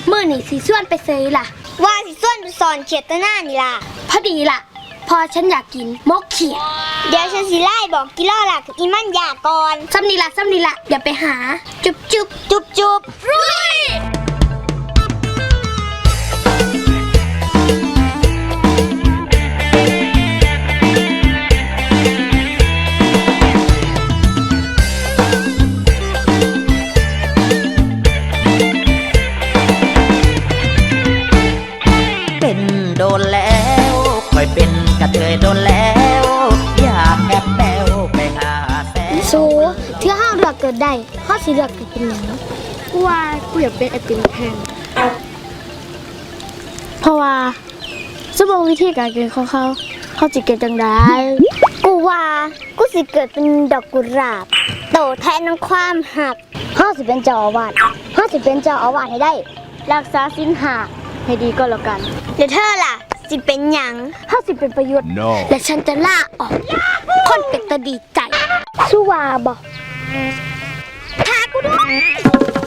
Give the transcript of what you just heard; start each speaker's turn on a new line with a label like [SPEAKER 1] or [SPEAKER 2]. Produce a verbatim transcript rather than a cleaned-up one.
[SPEAKER 1] เมื่อนี่สีส่วนไปเซยล่ะ
[SPEAKER 2] ว่าสิส่วนไปสอนเขียดตะหน้านี่ล่ะ
[SPEAKER 1] พอดีล่ะพอฉันอยากกินมกเขียด
[SPEAKER 2] เดี๋ยวฉันสิไล่บอกกิโลล่ะกับอีมันยาก่อน
[SPEAKER 1] ซ้ำนี่ละซ้ำนี่ละอย่าไปหาจุบจุบ
[SPEAKER 2] จุบจุบ
[SPEAKER 1] รุย
[SPEAKER 3] เป็นโดนแล้วค่อยเป็นกระเทยโดนแล้วอยากแอบแปวไปหาแฟน
[SPEAKER 1] สูเที่ยวห้าเลือกเกิดได้ห้าสีเลือกเกิดเป็นหยังกูว่ากูอยากเป็นไอติมแทนเพราะว่าสมองวิธีการเกิดของเขาเขาจะเกิดจังได้
[SPEAKER 2] กูว่ากูสิเกิดเป็นดอกกุหลาบโตแทนน้ำความหัก
[SPEAKER 1] ห้าสิเป็นเจ้าอาวาสห้าสิเป็นเจ้าอาวาสให้ได้รักษาศีลห้าให้ดีก็แล้วกัน
[SPEAKER 2] เดี๋ยวเธอล่ะสิเป็นหยัง
[SPEAKER 1] ห้าสิเป็นประโยชน์ no. และฉันจะล่าออกคนเป็นตาดีใจสู้วาบอก
[SPEAKER 2] พากูด้วย